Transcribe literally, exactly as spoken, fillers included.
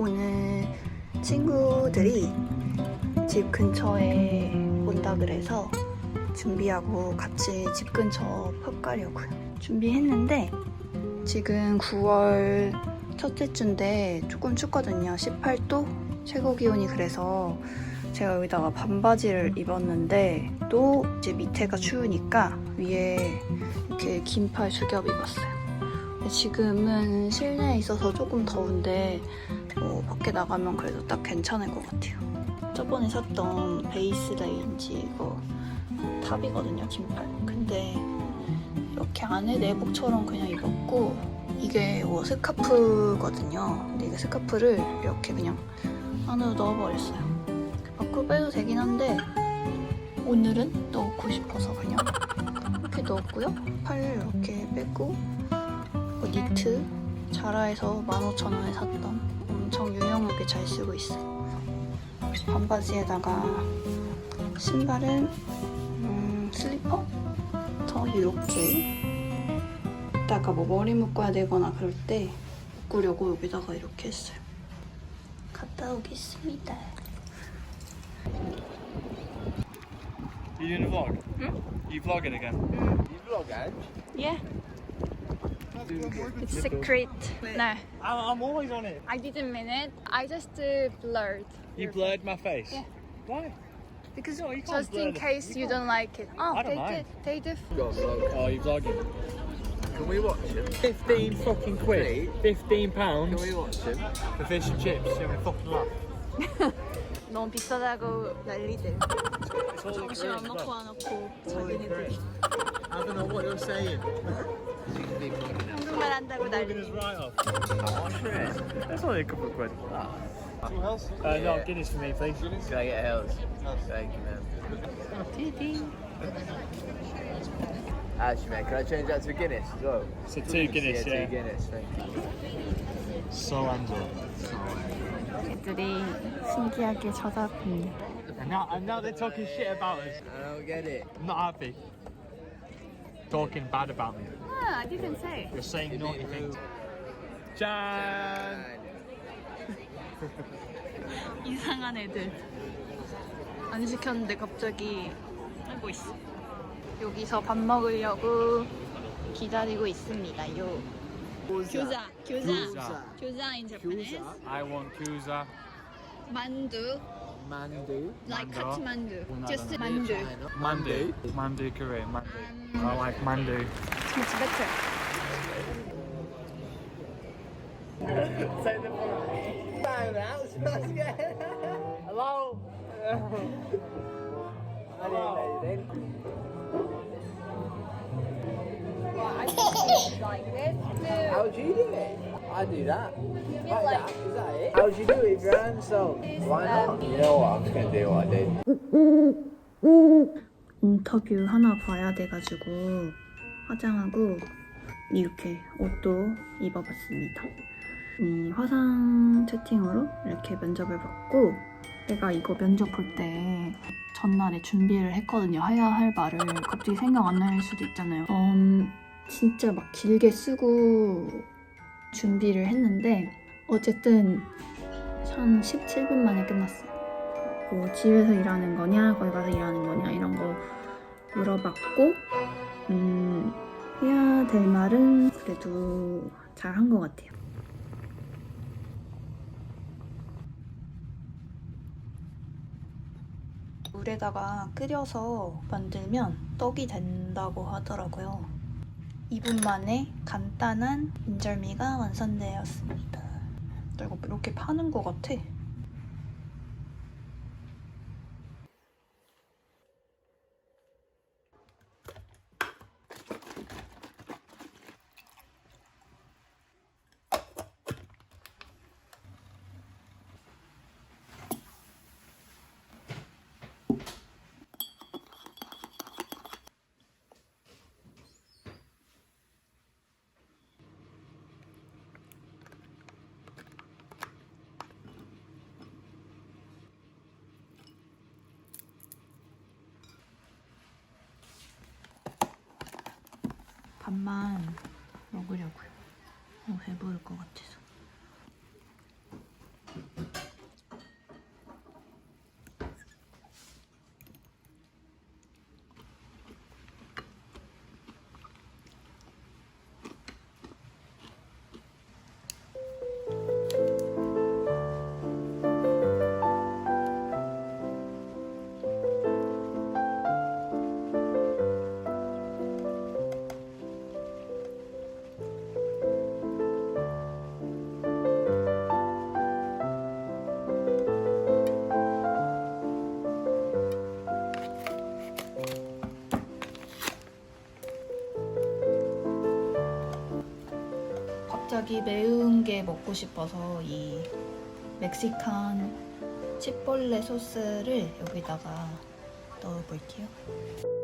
오늘 친구들이 집 근처에 온다 그래서 준비하고 같이 집 근처 펍 가려고요. 준비했는데 지금 구월 첫째 주인데 조금 춥거든요. 십팔 도 최고 기온이. 그래서 제가 여기다가 반바지를 입었는데 또 이제 밑에가 추우니까 위에 이렇게 긴팔 수겹 입었어요. 지금은 실내에 있어서 조금 더운데 뭐 밖에 나가면 그래도 딱 괜찮을 것 같아요. 저번에 샀던 베이스 레인지 이거 탑이거든요, 긴팔. 근데 이렇게 안에 내복처럼 그냥 입었고 이게 뭐 스카프거든요. 근데 이게 스카프를 이렇게 그냥 안으로 넣어버렸어요. 밖으로 빼도 되긴 한데 오늘은 넣고 싶어서 그냥 이렇게 넣었고요. 팔을 이렇게 빼고 뭐 니트 자라에서 만 오천 원에 샀던 엄청 유용하게 잘 쓰고 있어요. 반바지에다가 신발은 음, 슬리퍼? 더 이렇게 이따가 뭐 머리 묶어야 되거나 그럴 때 묶으려고 여기다가 이렇게 했어요. 갔다 오겠습니다. You doing a vlog? Hmm? You vlogging again? You vlog, Ange? Yeah. It's secret. No, I'm, I'm always on it. I didn't mean it. I just uh, blurred. You your blurred my face? Yeah. Why? Because No, you can't just blur in the- case you you, can't. don't like it. Oh, I don't they mind. did. They did. Got a vlog. Oh, you vlogging? Can we watch him? Fifteen fucking quid. Fifteen pounds Can we watch him? for fish and chips. You have a fucking laugh. 너무 비싸다고 난리들. It's all in 점심 안 Korean as 먹고 well. 안 먹고 자기네들이 I don't know what you're saying. 한국말 한다고 Vlogging us 난리. right off. Watch it. That's only a couple of quid. Uh, no, Yeah. Guinness for me, please. Can I get a Hells? Thank you, man. Actually, man, can I change that to a Guinness as well? So two Guinness, yeah. yeah. Two Guinness, thank you. So Angela. 애들이 신기하게 쳐다봅니다. And now, and now they're talking shit about us. I don't get it. I'm not happy. Talking bad about me. Ah, I didn't say. You're saying naughty things. 짠! 이상한 애들. 안 시켰는데 갑자기 하고 있어. 여기서 밥 먹으려고 기다리고 있습니다요. 교자, 교자, 교자 in Japanese. I want kuza. 만두, Mandu. like Mando. 카트만두. Just 만두. Mandu. Mandu Korean. Mandu. Um, I like mandu. It's better. Hello. I didn't let it in. Like this. How'd you do it? I do that. Like like- that. Is that it? How'd you do it with your hands? So why not? You know what? I'm just gonna do what I did. 인터뷰 하나 봐야 돼가지고 화장하고 이렇게 옷도 입어봤습니다. 이 화상 채팅으로 이렇게 면접을 받고 내가 이거 면접 볼 때 전날에 준비를 했거든요. 해야 할 말을 갑자기 생각 안 날 수도 있잖아요. 음, 진짜 막 길게 쓰고 준비를 했는데 어쨌든 한 십칠 분 만에 끝났어요. 뭐 집에서 일하는 거냐 거기 가서 일하는 거냐 이런 거 물어봤고 음, 해야 될 말은 그래도 잘 한 것 같아요. 물에다가 끓여서 만들면 떡이 된다고 하더라고요. 이 분 만에 간단한 인절미가 완성되었습니다. 이거 이렇게 파는 것 같아. 밥만 먹으려고요. 너무 배부를 것 같아서. 갑자기 매운 게 먹고 싶어서 이 멕시칸 치폴레 소스를 여기다가 넣어볼게요.